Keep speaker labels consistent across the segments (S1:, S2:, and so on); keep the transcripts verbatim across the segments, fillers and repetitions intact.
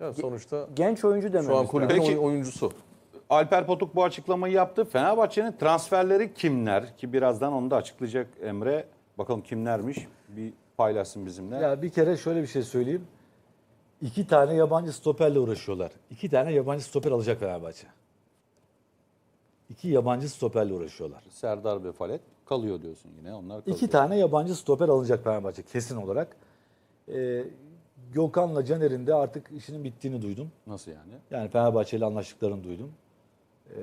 S1: Ya sonuçta
S2: Genç oyuncu dememiz
S1: şu an
S2: lazım.
S1: kulübün
S3: Peki.
S1: oy- oyuncusu.
S3: Alper Potuk bu açıklamayı yaptı. Fenerbahçe'nin transferleri kimler? Ki birazdan onu da açıklayacak Emre. Bakalım kimlermiş? Bir paylaşsın bizimle.
S4: Ya bir kere şöyle bir şey söyleyeyim. İki tane yabancı stoperle uğraşıyorlar. İki tane yabancı stoper alacak Fenerbahçe. İki yabancı stoperle uğraşıyorlar.
S3: Serdar ve Falet kalıyor diyorsun yine. Onlar kalıyor.
S4: İki tane yabancı stoper alınacak Fenerbahçe kesin olarak. Ee, Gökhan'la Caner'in de artık işinin bittiğini duydum.
S3: Nasıl yani?
S4: Yani Fenerbahçe ile anlaştıklarını duydum. Ee,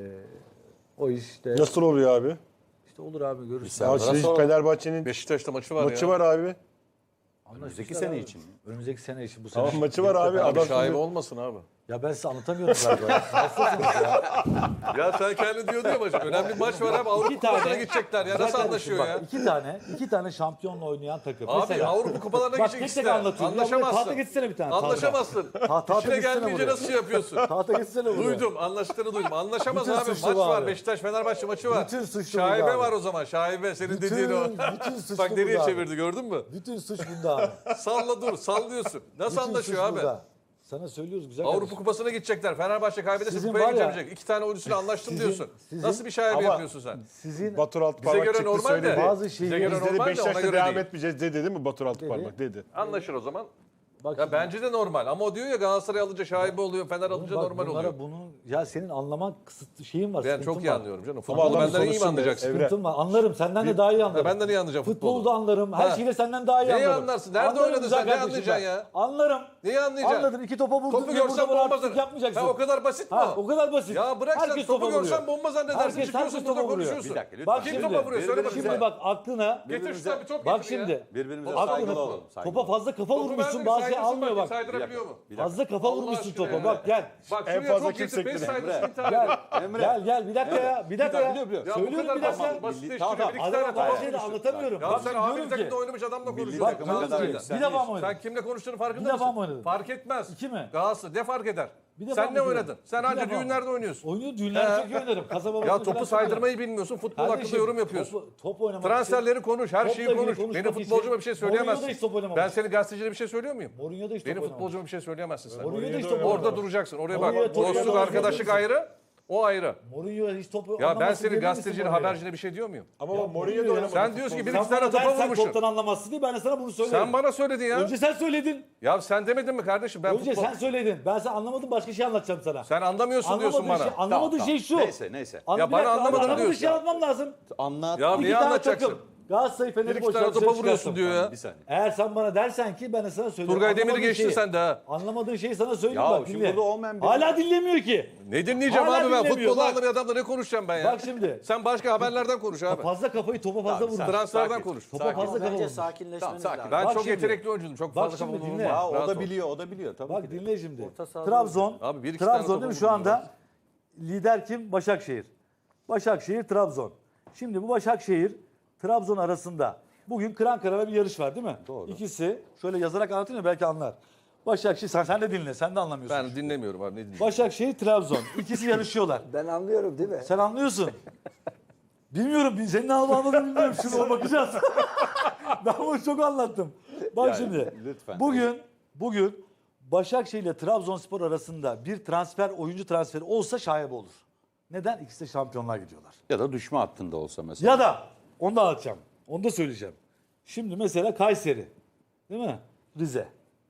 S4: o işte
S5: Nasıl oluyor abi?
S4: işte olur abi görürsün.
S5: Ya
S3: Serdar'a
S5: şey,
S3: soralım.
S5: Fenerbahçe'nin
S1: Beşiktaş'ta maçı var
S5: maçı
S1: ya.
S5: var abi.
S3: Önümüzdeki sene için mi?
S4: Önümüzdeki sene için bu sene.
S5: Tamam maçı var abi.
S1: Abi
S5: Adam
S1: şaibe
S5: şimdi-
S1: olmasın abi.
S4: Ya ben size anlatamıyorum galiba. Nasılsınız ya?
S1: Ya sen kendi diyordun ya maçı. Önemli bir maç var abi. Avrupa
S4: İki tane
S1: Kupalarına gidecekler ya.
S4: Güzel
S1: Nasıl
S4: kardeşim
S1: anlaşıyor
S4: bak,
S1: ya?
S4: İki tane, iki tane şampiyonla oynayan takım.
S1: Abi
S4: Mesela,
S1: Avrupa Kupalarına
S4: bak
S1: gidecek
S4: tek
S1: işte.
S4: tek anlatıyorum. Ya buraya tahta
S1: Anlaşamazsın.
S4: geçsene bir tane. tahta.
S1: Anlaşamazsın.
S4: tahta
S1: İşine
S4: geçsene
S1: gelmeyince
S4: buraya.
S1: nasıl şey yapıyorsun?
S4: Tahta geçsene buraya.
S1: Duydum. Anlaştığını duydum. Anlaşamaz
S4: Bütün
S1: abi.
S4: suçlu
S1: Maç
S4: bu
S1: var.
S4: abi.
S1: Beşiktaş Fenerbahçe maçı var.
S4: Bütün suçlu bu
S1: Şaibe
S4: abi.
S1: var o zaman. Şaibe senin
S4: Bütün-
S1: dediğin o.
S4: bütün suçlu
S1: Bak nereye
S4: bu abi.
S1: çevirdi gördün mü?
S4: Bütün suç bunda abi.
S1: Salla dur. Sallıyorsun. Nasıl
S4: Bütün
S1: anlaşıyor
S4: suç
S1: abi?
S4: burada. Sana söylüyoruz güzel
S1: Avrupa
S4: kardeşim.
S1: Kupası'na gidecekler. Fenerbahçe kaybederse
S4: Sizin
S1: kupaya
S4: var ya-
S1: gidemeyecek. İki tane oyuncusuyla anlaştım
S4: Sizin-
S1: diyorsun.
S4: sizin-
S1: Nasıl bir şaibe
S5: Ama-
S1: yapıyorsun sen?
S4: Sizin
S5: Batur
S1: Bize
S5: Altıparmak
S1: göre
S5: çıktı
S1: normal
S5: söyledi.
S1: de.
S4: Bazı
S1: Bize
S4: şeyleri-
S1: göre
S5: Biz dedi
S1: normal de ona
S5: Beşiktaş'ta
S1: göre
S5: devam
S1: değil.
S5: etmeyeceğiz dedi değil mi Batur Altıparmak dedi.
S1: Anlaşır o zaman.
S4: bak
S1: Ya
S4: şimdi-
S1: bence de normal. Ama o diyor ya Galatasaray alınca şaibe oluyor, Fener alınca
S4: Bak
S1: normal
S4: bunlara
S1: oluyor.
S4: Bunun ya senin anlamak kısıtlı şeyin var.
S1: Ben
S4: sıkıntın
S1: çok iyi
S4: var.
S1: anlıyorum canım.
S5: Ama
S1: Futbolu
S5: adam
S1: benden iyi mi
S5: konuşsun be,
S1: anlayacaksın?
S5: Evren.
S4: Sıkıntın var. Anlarım. Senden de daha iyi anlarım.
S1: ben de iyi anlayacağım futbolu.
S4: Futbolu da anlarım. Her
S1: Ha.
S4: şeyi de senden daha iyi
S1: Neyi
S4: anlarım.
S1: anlarsın? Nerede
S4: Anlarım
S1: oynadın
S4: güzel
S1: sen? Ne
S4: kardeşim
S1: anlayacaksın
S4: ben.
S1: ya?
S4: Anlarım.
S1: Neyi anlayacaksın?
S4: Anladım. İki topa vurdun
S1: Topu
S4: diye
S1: görsen
S4: burada bana
S1: bomba
S4: artistlik yapmayacaksın.
S1: Ha, o kadar basit mi
S4: Ha,
S1: o?
S4: o kadar basit.
S1: Ya bırak sen
S4: Herkes
S1: topu
S4: topa
S1: görsen
S4: vuruyor.
S1: bomba zannedersin.
S4: Herkes-
S1: Çıkıyorsun
S4: herkes
S1: burada
S4: topa vuruyor.
S1: konuşuyorsun.
S3: Bir dakika, lütfen.
S4: Bak
S1: Kim
S4: şimdi,
S1: topa vuruyor? Söyle
S4: Şimdi
S1: bakayım.
S4: bak aklına
S1: Getir şuna bir top
S4: bak
S1: getir ya.
S4: şimdi
S3: Birbirimize
S4: aklına
S3: saygılı olalım. saygılı
S4: topa
S3: olalım.
S4: fazla kafa
S1: Topu
S4: vurmuşsun
S1: verdim,
S4: bazı şey
S1: saydırsın
S4: almıyor
S1: bakayım,
S4: bak.
S1: Saydırabiliyor mu?
S4: Fazla kafa
S1: Allah
S4: vurmuşsun
S1: aşkına
S4: topa
S1: ya.
S4: bak gel.
S1: Bak
S5: En
S1: şuraya
S5: fazla
S1: top
S5: kim
S1: getir. Beş
S5: sektirir?
S1: saydırsın
S3: Emre.
S1: intihar
S4: Gel.
S1: ediyor.
S3: Emre.
S4: Gel gel bir dakika ya. Bir dakika ya.
S3: biliyor, biliyor.
S1: Ya bu
S4: Söylüyorum
S1: kadar
S4: bir dakika.
S1: basit, basitleştiriyor.
S3: Tamam,
S1: Bir iki
S4: Adama
S1: tane
S4: bazı
S1: tamam.
S4: şeyleri anlatamıyorum.
S1: Ya
S4: Bak
S1: sen
S4: şimdi
S1: A bir
S4: diyorum
S1: takımda
S4: ki.
S1: oynamış adamla
S3: Milli
S1: konuşuyorsun.
S3: takıma
S1: Sen
S3: kadar
S1: söyle.
S3: yükselmiş.
S4: Bir defa mı oynadın?
S1: Sen kimle konuştuğunu farkında
S4: Bir defa
S1: mısın?
S4: mı oynadın?
S1: Fark etmez.
S4: İki mi?
S1: Galatasaray ne fark eder?
S4: Bir defa
S1: Sen
S4: mı
S1: ne
S4: diyorum?
S1: oynadın? Sen
S4: Bir
S1: anca
S4: defa mı?
S1: düğünlerde oynuyorsun.
S4: Oynuyor düğünlerde çok iyi oynarım. Kasaba
S1: Ya
S4: basını
S1: topu
S4: falan
S1: saydırmayı bilmiyorsun. Futbol hakkında
S4: Kardeşim,
S1: yorum yapıyorsun.
S4: Topu, top oynamak
S1: Transferleri konuş, her
S4: Topla
S1: şeyi
S4: ilgili
S1: konuş.
S4: konuşmak
S1: Benim futbolcuma
S4: için-
S1: bir şey
S4: Mourinho da
S1: söyleyemezsin.
S4: hiç top oynamamış.
S1: Ben senin gazetecilere bir şey söylüyor muyum?
S4: Mourinho da hiç top
S1: Benim
S4: oynamamış.
S1: futbolcuma bir şey söyleyemezsin sen.
S4: Mourinho da hiç top
S1: Orada
S4: oynamamış.
S1: duracaksın. Oraya
S4: Mourinho
S1: bak.
S4: top
S1: Dostluk,
S4: oynamamış.
S1: arkadaşlık ayrı. O ayrı.
S4: Mourinho hiç topu
S1: Ya ben
S4: anlamasın
S1: senin
S4: diyebilir misin
S1: gazetecine,
S4: Mourinho'ya?
S1: habercine bir şey diyor muyum?
S5: Ama
S4: Ya
S5: bak Mourinho da
S4: Mourinho-
S5: oynamadı.
S1: Sen diyorsun ki bir
S4: Sen
S1: iki tane
S4: bana
S1: topa
S4: dersen
S1: vurmuşsun.
S4: toptan anlamazsın diye ben de sana bunu söylerim.
S1: Sen bana söyledin ya.
S4: Önce sen söyledin.
S1: Ya sen demedin mi kardeşim? Ben
S4: Önce
S1: futbol...
S4: sen söyledin. Ben sen anlamadım başka şey anlatacağım sana.
S1: Sen anlamıyorsun diyorsun
S4: Anlamadığın
S1: bana.
S4: şey, anlamadığın
S3: Tamam,
S4: şey şu.
S3: tamam. Neyse, neyse.
S4: Anla-
S1: Ya
S4: bir
S1: bana
S4: dakika,
S1: anlamadığını
S4: anlamadığın
S1: diyorsun.
S4: şey anlatmam lazım.
S3: Anlat.
S1: Ya
S4: İki
S1: niye
S4: tane
S1: anlatacaksın?
S4: takım. Galatasaray Fener'i
S1: Bir iki
S4: boş
S1: tane
S4: ver,
S1: topa
S4: dışarı
S1: vuruyorsun
S4: çıkarsın.
S1: diyor ya.
S3: Bir saniye.
S4: Eğer sen bana dersen ki ben de sana söyleyeyim.
S1: Turgay Demir'i
S4: Anlamadığın
S1: geçtin
S4: şeyi-
S1: sen de ha.
S4: Anlamadığın şeyi sana söyleyeyim
S3: Ya
S4: bak
S3: şimdi
S4: dinle.
S3: burada olmayan bir-
S4: Hala dinlemiyor ki.
S1: Ne dinleyeceğim
S4: Hala
S1: abi ben?
S4: dinlemiyor,
S1: Futbolu
S4: bak.
S1: anlamayan adamla ne konuşacağım ben ya?
S4: Bak şimdi.
S1: Sen başka haberlerden konuş abi.
S4: Fazla kafayı topa fazla vurmuş.
S1: Transferden
S3: Sakin,
S1: konuş.
S4: Topa
S3: sakin.
S4: fazla kafa
S2: Bence
S4: vurmuş.
S2: sakinleşmeniz
S3: Tamam, sakin.
S2: lazım.
S1: Ben
S4: Bak
S1: çok
S4: şimdi.
S1: yetenekli oyuncuyum. Çok
S4: Bak
S1: fazla
S4: şimdi
S1: kafa
S4: dinle.
S1: vurmam.
S3: Ya o
S1: Rahat
S3: da
S1: ol.
S3: biliyor, o da biliyor tabii
S4: Bak
S3: ki de.
S4: dinle şimdi.
S2: Orta sahada
S4: Trabzon.
S1: Abi bir iki tane
S4: Trabzon
S1: topa
S4: değil mi şu
S1: vurmuş
S4: anda? Lider kim? Başakşehir. Başakşehir, Trabzon. Şimdi bu Başakşehir, Trabzon arasında bugün kıran kırana bir yarış var değil mi?
S3: Doğru.
S4: İkisi şöyle yazarak anlatayım da belki anlar. Başakşehir, sen, sen de dinle, sen de anlamıyorsun.
S1: Ben dinlemiyorum abi ne dinleyeyim.
S4: Başakşehir, Trabzon. İkisi yarışıyorlar.
S2: Ben anlıyorum değil mi?
S4: Sen anlıyorsun. Bilmiyorum, senin ne anladığını bilmiyorum. Şuna bakacağız. Ben bunu çok anlattım. Bak
S3: Yani,
S4: şimdi,
S3: lütfen.
S4: bugün bugün Başakşehir ile Trabzonspor arasında bir transfer, oyuncu transferi olsa şaibe olur. Neden? İkisi de şampiyonluğa gidiyorlar.
S3: Ya da düşme hattında olsa mesela.
S4: Ya da, onu da anlatacağım. Onu da söyleyeceğim. Şimdi mesela Kayseri, değil mi? Rize.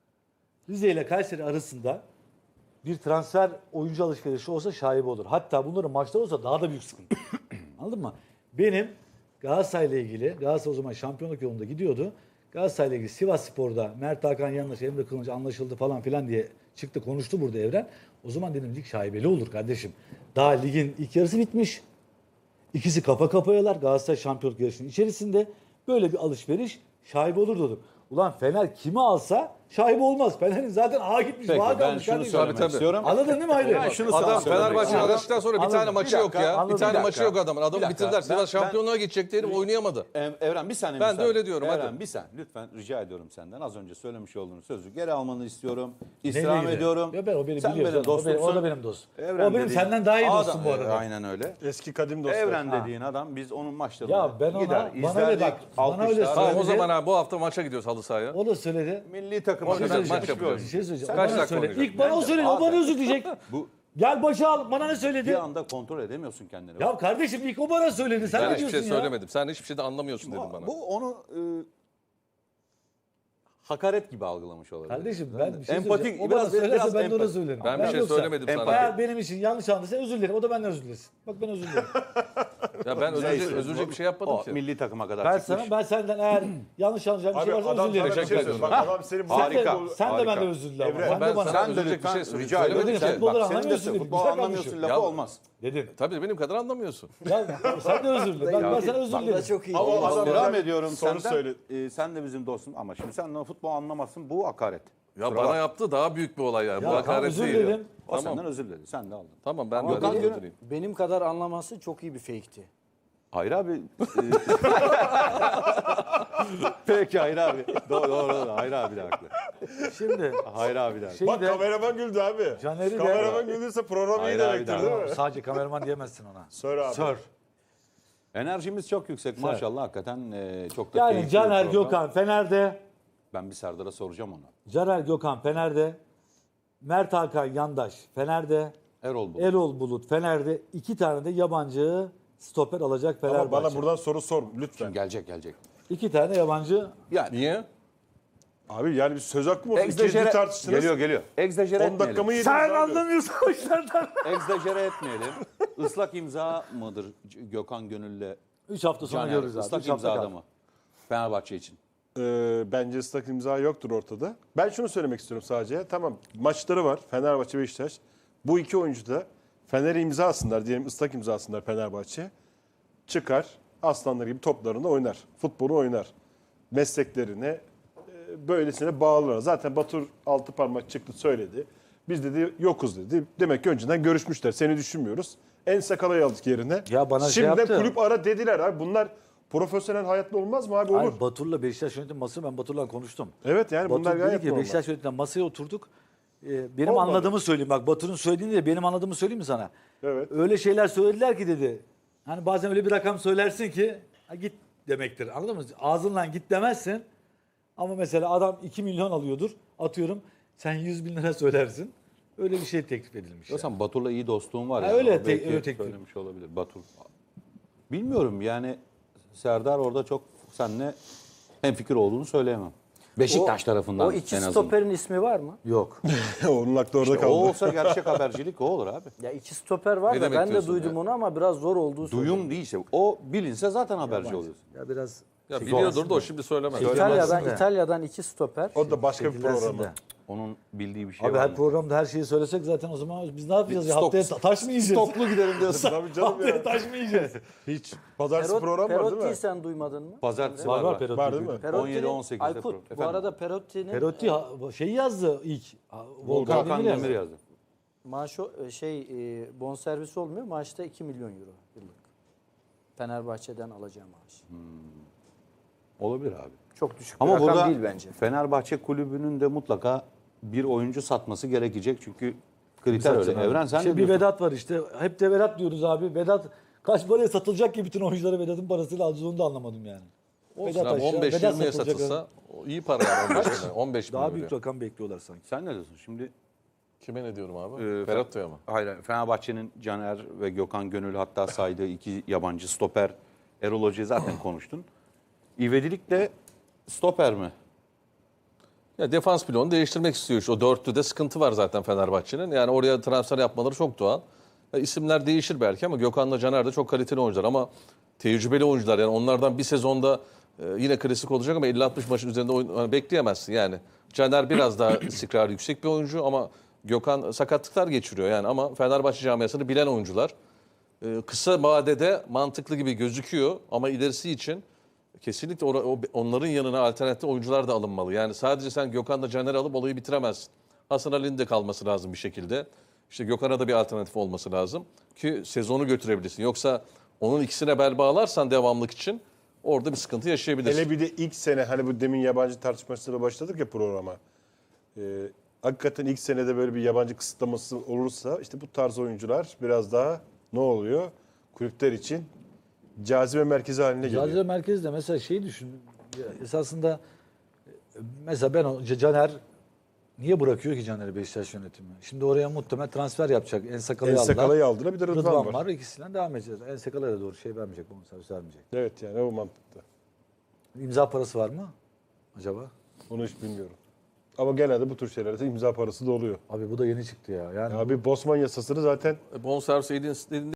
S4: Rize ile Kayseri arasında bir transfer oyuncu alışverişi olsa şaibe olur. Hatta bunların maçları olsa daha da büyük sıkıntı. Anladın mı? Benim Galatasaray'la ilgili, Galatasaray o zaman şampiyonluk yolunda gidiyordu. Galatasaray'la ilgili Sivasspor'da Mert Hakan yanlış, Emre Kılınç anlaşıldı falan filan diye çıktı konuştu burada Evren. O zaman dedim lig şaibeli olur kardeşim. Daha ligin ilk yarısı bitmiş. İkisi kafa kafayalar Galatasaray şampiyonluk yarışının içerisinde. Böyle bir alışveriş şaibe olur dedim. Ulan Fener kimi alsa şaibe olmaz. Fener'in zaten ağa gitmiş.
S3: Peki
S4: bağa
S3: ben
S4: kalmış
S3: şunu
S4: kardeşim.
S3: söylemek
S1: Tabii, tabii.
S3: istiyorum.
S4: Anladın değil mi Hayri?
S3: Ben şunu
S1: Adam
S3: sana söylemek
S1: Fenerbahçe
S3: istiyorum.
S1: araçtan sonra bir
S4: Anladım.
S1: tane maçı
S3: Bir
S1: yok
S3: dakika,
S1: ya.
S4: anladım.
S1: Bir tane
S3: Bir
S1: maçı
S3: dakika.
S1: yok adamın. Adamı
S3: Bir dakika.
S1: bitirdiler. Sivas
S3: Ben-
S1: şampiyonluğa gidecekti herif oynayamadı.
S3: Em- Evren bir saniye
S1: Ben de
S3: müsaade.
S1: öyle diyorum,
S3: Evren
S1: hadi.
S3: bir saniye lütfen rica ediyorum senden. Az önce söylemiş olduğun sözü geri almanı istiyorum.
S4: Neyle
S3: İstirham
S4: ilgili?
S3: ediyorum.
S4: Ya ben o benim
S3: Sen
S4: biliyorum
S3: benim
S4: canım. O benim-
S3: dostumsun.
S4: o da benim dostum.
S3: Evren
S4: O benim
S3: dediğin
S4: senden daha iyi
S3: adam-
S4: dostum bu arada.
S3: E, Aynen öyle.
S5: Eski kadim dostlar.
S3: Evren
S4: Ha.
S3: dediğin adam biz onun maçlarına
S4: Ya ben ona-
S3: gider,
S4: bana
S3: izlerdik,
S4: öyle bak, bana öyle
S3: alkışlar.
S1: Tamam o
S4: Söyledi.
S1: zaman ha bu hafta maça gidiyoruz halı sahaya.
S4: O da söyledi.
S3: Milli takım
S5: takımlar.
S1: Oynayacak,
S5: Oynamış
S1: maç
S5: bir
S1: yapacak.
S5: oyuncu.
S4: Bir şey söyleyeceğim.
S1: Kaç
S4: Bana
S1: dakika
S4: söyle.
S1: oynayacak?
S4: İlk bana o söyledi. O
S3: Abi,
S4: bana özür dileyecek.
S3: Bu
S4: Gel başa al. Bana ne söyledi?
S3: bir anda kontrol edemiyorsun kendini.
S4: Ya kardeşim ilk o bana söyledi. Sen
S1: Ben
S4: ne
S1: hiçbir
S4: diyorsun
S1: şey
S4: ya?
S1: söylemedim. Sen hiçbir şeyden anlamıyorsun dedim bana.
S3: Bu onu e, hakaret gibi algılamış olabilir.
S4: Kardeşim ben bir şey
S3: Empatik,
S4: söyleyeceğim. O
S3: biraz-
S4: bana söylerse
S3: biraz
S4: ben de ona
S3: empati.
S4: söylerim.
S1: Ben bir şey
S4: yoksa-
S1: söylemedim sana.
S4: Eğer benim için yanlış anladıysa özür dilerim. O da benden özür dilesin. Bak ben özür dilerim.
S1: Ya ben özür,
S3: Neyse,
S1: özür dilerim bir şey yapmadım
S3: o
S1: ki.
S3: milli takıma kadar
S4: ben
S3: çıkmış.
S4: sana ben senden eğer yanlış anlayacağım bir
S5: Abi
S4: şey varsa
S5: adam
S4: özür dilerim.
S5: sana bir şey
S1: Teşekkür
S5: söylüyor. Bak
S1: ederim.
S5: adam senin bu
S4: Sen de,
S3: Harika,
S4: sen de
S3: harika.
S4: benden özür dile. ama.
S5: Evren,
S4: Sen
S1: ben
S4: de bana
S1: sana
S3: Sen de
S1: üzülecek bir
S3: lütfen
S1: şey söyle-
S3: rica ediyorum.
S1: söylemedim
S3: Sen,
S1: ki.
S3: bak
S4: Futbolu
S3: senin de
S4: anlamıyorsun dedim.
S3: futbol
S4: Güzel
S3: anlamıyorsun
S4: konuşuyor.
S3: lafı
S1: Ya-
S3: olmaz.
S4: Dedin.
S1: Tabii benim kadar anlamıyorsun.
S4: Ya sen de özür dile. Ben, ben sana özür
S2: Bak da
S4: dilerim.
S2: çok iyi.
S5: Ama
S2: oldu.
S5: adam-
S3: Devam
S5: ben
S3: ediyorum
S5: soru
S3: senden.
S5: söyle.
S3: E, sen de bizim dostum ama şimdi sen de futbol anlamazsın. Bu hakaret.
S1: Ya
S3: Kusura
S1: bana
S3: bak.
S1: yaptı daha büyük bir olay yani.
S4: Ya
S1: Bu
S4: tamam,
S1: hakaret
S4: özür
S1: değil.
S4: dilerim.
S3: O
S1: Tamam.
S3: senden özür diledi. Sen de aldın.
S1: Tamam ben
S2: Ama
S1: de
S3: Gökhan
S1: özür
S3: Gönül-
S1: dileyim.
S2: benim kadar anlaması çok iyi bir fake'ti.
S3: Hayır abi. e, Peki Hayır abi. Doğru doğru. doğru. Hayır abi de haklı.
S4: Şimdi
S3: Hayır abi de haklı.
S4: şey
S5: Bak
S4: de
S5: kameraman güldü abi.
S4: Caner'i de-
S5: Kameraman güldüyse program iyi
S3: Hayır abi,
S5: demektir
S3: daha-
S5: değil mi?
S4: sadece kameraman diyemezsin ona.
S5: Söyle abi.
S4: Sör.
S3: Enerjimiz çok yüksek maşallah hakikaten e, çok da
S4: Yani
S3: keyifli
S4: Caner
S3: bir program.
S4: Gökhan Fener'de.
S3: Ben bir Serdar'a soracağım onu.
S4: Caner Gökhan Fener'de. Mert Hakan Yandaş Fener'de.
S3: Erol Bulut.
S4: Erol Bulut Fener'de. İki tane de yabancı stoper alacak
S5: Ama
S4: Fenerbahçe.
S5: bana buradan soru sor lütfen.
S3: Gelecek gelecek.
S4: İki tane yabancı.
S3: Yani
S1: Niye?
S5: Abi yani bir söz hakkı mı olsun? İkinci
S3: egzajere
S5: tartıştınız.
S3: geliyor geliyor. Egzajere
S5: on dakika mı
S3: etmeyelim.
S5: yediniz
S4: Sen
S5: abi?
S4: anlamıyorsun o işlerden.
S3: Egzajere etmeyelim. Islak imza mıdır C- Gökhan Gönül'le
S4: Üç hafta sonra
S3: Caner?
S4: görürüz abi.
S3: Islak
S4: Üç hafta
S3: imzada
S4: kal.
S3: mı? Fenerbahçe için.
S5: Ee, bence ıslak imza yoktur ortada. Ben şunu söylemek istiyorum sadece. Tamam maçları var Fenerbahçe Beşiktaş. Bu iki oyuncu da Fener'e imza atsınlar diyelim ıslak imza atsınlar Fenerbahçe. Çıkar aslanlar gibi toplarını oynar. Futbolu oynar. Mesleklerine e, böylesine bağlılar. Zaten Batur altı parmak çıktı söyledi. Biz dedi yokuz dedi. Demek ki önceden görüşmüşler. Seni düşünmüyoruz. En Sakala'yı aldık yerine.
S4: Ya bana şey
S5: Şimdiden
S4: yaptı.
S5: kulüp ara dediler abi. Bunlar profesyonel hayatta olmaz mı abi? Olur.
S4: Hayır, Batur'la Beşiktaş yönetim masası ben Batur'la konuştum.
S5: Evet yani
S4: Batur
S5: bunlar
S4: dedi
S5: gayet
S4: ki
S5: normal.
S4: Beşiktaş yönetimden masaya oturduk. Ee, benim
S5: Olmadı.
S4: anladığımı söyleyeyim. Bak Batur'un söylediğini de benim anladığımı söyleyeyim mi sana?
S5: Evet.
S4: Öyle şeyler söylediler ki dedi. Hani bazen öyle bir rakam söylersin ki ha, git demektir. Anladın mı? Ağzından git demezsin. Ama mesela adam iki milyon alıyordur. Atıyorum sen yüz bin lira söylersin. Öyle bir şey teklif edilmiş. yani.
S3: Yoksa Batur'la iyi dostluğum var.
S4: Ha,
S3: yani.
S4: öyle
S3: O
S4: te-
S3: belki
S4: öyle teklif.
S3: söylemiş olabilir Batur. Bilmiyorum yani Serdar orada çok seninle hemfikir olduğunu söyleyemem. Beşiktaş tarafından
S2: O iki
S3: en azından.
S2: stoperin ismi var mı?
S4: Yok.
S5: Onun aklı orada
S3: İşte o
S5: kaldı.
S3: olsa gerçek habercilik o olur abi.
S2: Ya iki stoper var
S1: Ne
S2: da
S1: demek
S2: ben de
S1: diyorsun
S2: duydum
S1: ya?
S2: onu ama biraz zor olduğu söyleniyor.
S3: Duyum değilse o bilinse zaten haberci oluyorsun.
S4: Ya biraz
S1: Ya biliyordur da o şimdi söylemez.
S2: İtalya'dan
S4: Söylemezsin de.
S2: İtalya'dan iki stoper.
S5: O da başka bir
S4: Çekilirsin
S5: programı.
S4: de.
S3: Onun bildiği bir şey
S4: Abi
S3: var
S4: her
S3: mı?
S4: programda her şeyi söylesek zaten o zaman biz ne yapacağız ya?
S3: Stok-
S4: Haftaya ta- taş mı yiyeceğiz?
S3: Stoklu gidelim diyorsun.
S5: Tabii canım
S4: Haftaya
S5: ya.
S4: taş mı yiyeceğiz?
S5: Hiç. Pazartesi
S2: Perot-
S5: program var değil
S2: Perotti'yi
S5: mi?
S2: sen duymadın mı?
S3: Pazartesi
S4: Var
S3: var.
S4: var
S3: var.
S4: Perotti.
S5: Var değil mi?
S2: Perotti'nin-
S3: on yedi on sekizde
S2: Aykut
S3: program.
S2: bu
S3: Efendim?
S2: arada Perotti'nin
S4: Perotti ha- şeyi yazdı ilk. Ha, Volkan,
S3: Volkan
S4: Demir
S3: Demir
S4: yazdı.
S3: yazdı.
S2: maaşı e, şey e, bonservisi olmuyor. Maaşta iki milyon euro yıllık. Fenerbahçe'den alacağı maaş.
S3: Olabilir abi.
S2: Çok düşük
S3: Ama
S2: bir rakam
S3: burada
S2: değil bence.
S3: Fenerbahçe kulübünün de mutlaka bir oyuncu satması gerekecek çünkü kriter öyle.
S4: Satacaksın abi.
S3: Evren sen
S4: İşte
S3: ne
S4: bir
S3: diyorsun?
S4: Vedat var işte. Hep de Vedat diyoruz abi. Vedat kaç paraya satılacak ki bütün oyuncuları Vedat'ın parasıyla alacağız onu da anlamadım yani.
S1: Olsun abi
S4: aşağı,
S1: on beş
S4: Vedat
S1: yirmiye
S4: satılacak
S1: satılsa o iyi para yani on beş milyon. on beş
S4: Daha
S1: milyon
S4: büyük
S1: euro.
S4: rakam bekliyorlar sanki.
S3: Sen ne diyorsun şimdi?
S1: Kime ne diyorum abi?
S3: Ee,
S1: Ferhat'ya mı?
S3: Hayır, Fenerbahçe'nin Caner ve Gökhan Gönül hatta saydığı iki yabancı stoper. Erol Hoca'yı zaten konuştun. İvedilik de stoper mi?
S1: Ya defans bloğunu değiştirmek istiyor. İşte o dörtlüde sıkıntı var zaten Fenerbahçe'nin. Yani oraya transfer yapmaları çok doğal. Ya isimler değişir belki ama Gökhan'la Caner de çok kaliteli oyuncular ama tecrübeli oyuncular. Yani onlardan bir sezonda e, yine klasik olacak ama elli altmış maçın üzerinde oyun, hani bekleyemezsin yani. Caner biraz daha istikrarı yüksek bir oyuncu ama Gökhan sakatlıklar geçiriyor yani ama Fenerbahçe camiasını bilen oyuncular. E, kısa vadede mantıklı gibi gözüküyor ama ilerisi için kesinlikle ora- o- onların yanına alternatif oyuncular da alınmalı. Yani sadece sen Gökhan'la Caner'i alıp olayı bitiremezsin. Hasan Ali'nin de kalması lazım bir şekilde. İşte Gökhan'a da bir alternatif olması lazım ki sezonu götürebilirsin. Yoksa onun ikisine bel bağlarsan devamlık için orada bir sıkıntı yaşayabilirsin.
S5: Hele bir de ilk sene hani bu demin yabancı tartışmasıyla başladık ya programa. Ee, hakikaten ilk senede böyle bir yabancı kısıtlaması olursa işte bu tarz oyuncular biraz daha ne oluyor? Kulüpler için cazibe merkezi haline geliyor.
S4: Cazibe merkezde mesela şeyi düşün. Ya esasında e, mesela ben o C- Caner Niye bırakıyor ki Caner'i Beşiktaş yönetimi? Şimdi oraya muhtemelen transfer yapacak. Ensakala'yı aldılar.
S5: Ensakala'yı aldılar, bir de Rıdvan,
S4: Rıdvan
S5: var.
S4: var. İkisinden devam edeceğiz. Ensakala'ya da doğru şey vermeyecek. Bonservis vermeyecek.
S5: Evet yani o mantıkta.
S4: İmza parası var mı acaba?
S5: Onu hiç bilmiyorum. Ama genelde bu tür şeylerde imza parası da oluyor.
S4: Abi bu da yeni çıktı ya. Yani
S5: Abi Bosman yasasını zaten
S1: Bonservis dediğin